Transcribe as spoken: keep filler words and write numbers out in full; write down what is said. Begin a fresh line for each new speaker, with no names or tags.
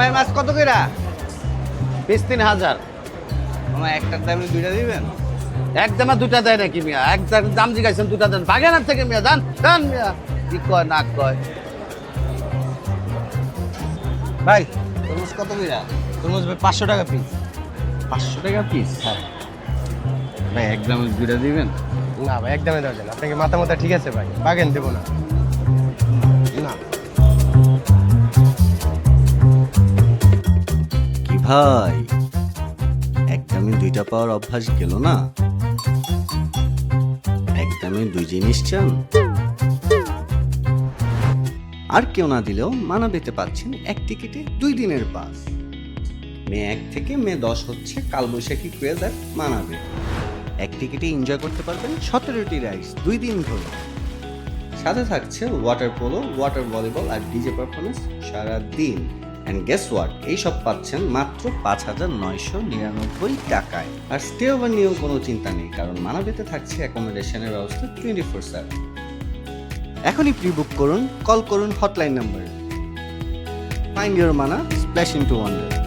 ভাই মাছ কত কইরা?
পিস তিন হাজার।
আমার একটার দামে দুইটা দিবেন?
একদমে দুটা দেয় নাকি মিয়া? একদম দাম জিগাইছেন দুটা দেন, বাগেনার থেকে মিয়া দান দান মিয়া। কি কয় না কয়?
ভাই তরমুজ কত কইরা?
তরমুজ ভাই পাঁচশো টাকা পিস।
পাঁচশো টাকা পিস।
হ্যাঁ।
ভাই এক দামে দুইটা দিবেন?
না ভাই একদমই দেওয়া যায় না, আপনাকে মাথা মাথা ঠিক আছে ভাই, বাগেন দেবো না। না
কি ভাই, একদমই দুইটা পাওয়ার অভ্যাস গেল না? একদমই দুই জিনিস চান? আর কেউ না দিলেও মানাবেতে পাচ্ছেন এক টিকিটে দুই দিনের পাস। মে এক থেকে মে দশ হচ্ছে কালবৈশাখী ক্রেজ আর মানাবে। এক টিকিটে এনজয় করতে পারবেন সতেরোটি রাইডস দুই দিন ধরে। সাথে থাকছে ওয়াটার পোলো, ওয়াটার ভলিবল আর ডিজে পারফরমেন্স সারা দিন। অ্যান্ড গেস ওয়াট, এইসব পাচ্ছেন মাত্র পাঁচ হাজার নয়শো নিরানব্বই টাকায়। আর স্টে ওভার নিয়েও কোনো চিন্তা নেই, কারণ মানাবেতে থাকছে অ্যাকোমোডেশনের ব্যবস্থা টোয়েন্টি ফোর সেভেন। এখনই প্রি বুক করুন, কল করুন হটলাইন নাম্বারে। Find your Mana, splash into wonder.